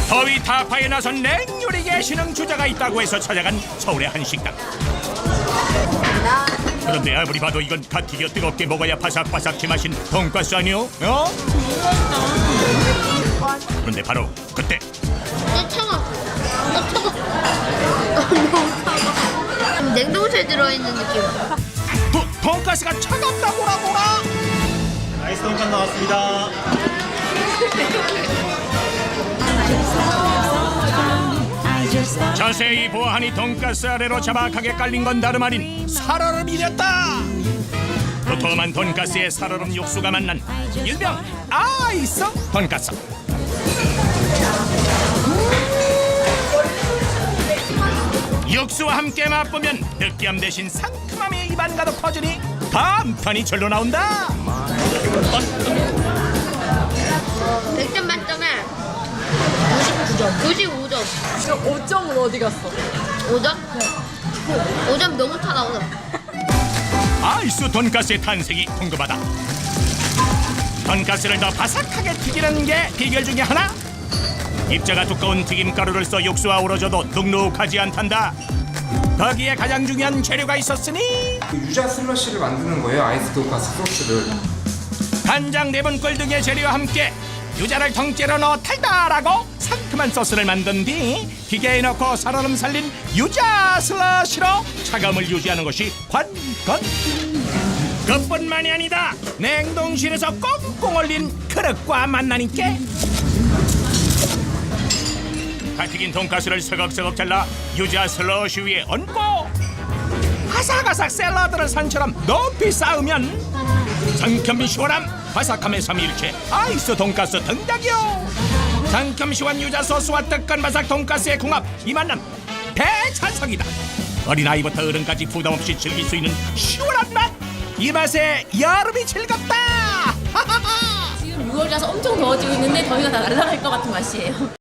더위 타파에 나선 냉요리계 신흥주자가 있다고 해서 찾아간 서울의 한 식당. 그런데 아무리 봐도 이건 갓 튀겨 뜨겁게 먹어야 바삭바삭 제맛인 돈가스 아니오? 어? 그런데 바로 그때 차가. 너무 차가. 냉동실에 들어있는 느낌. 돈가스가 차갑다고라고라? 아이스 돈가스 나왔습니다. 자세히 보아하니 돈가스 아래로 자박하게 깔린 건 다름 아닌 살얼음이랬다. 도톰한 돈가스에 살얼음 육수가 만난 일명 아이스 돈가스. 육수와 함께 맛보면 느끼함 대신 상큼함이 입안 가득 퍼지니 감탄이 절로 나온다. 100점 만점에 95점. 5점은 어디 갔어? 5점? 5점 너무 차다, 5점. 아이스 돈가스의 탄생이 궁금하다. 돈가스를 더 바삭하게 튀기는 게 비결 중에 하나? 입자가 두꺼운 튀김가루를 써 육수와 어우러져도 눅눅하지 않단다. 거기에 가장 중요한 재료가 있었으니 그 유자 슬러시를 만드는 거예요. 아이스 돈가스 소스를. 간장 4분꼴 등의 재료와 함께 유자를 통째로 넣어 달달하고 상큼한 소스를 만든 뒤 기계에 넣고 살얼음 살린 유자 슬러시로 차감을 유지하는 것이 관건. 그뿐만이 아니다. 냉동실에서 꽁꽁 얼린 그릇과 만나니까 갓 튀긴 돈가스를 서걱서걱 잘라 유자 슬러시 위에 얹고 아삭아삭 샐러드를 산처럼 높이 쌓으면 상큼 시원함 바삭함의 삼위일체 아이스 돈가스 등장이요. 상큼 시원 유자 소스와 뜨끈 바삭 돈가스의 궁합, 이 만남 대찬성이다. 어린아이부터 어른까지 부담없이 즐길 수 있는 시원한 맛, 이 맛에 여름이 즐겁다. 지금 6월이라서 엄청 더워지고 있는데 더위가 다 날아갈 것 같은 맛이에요.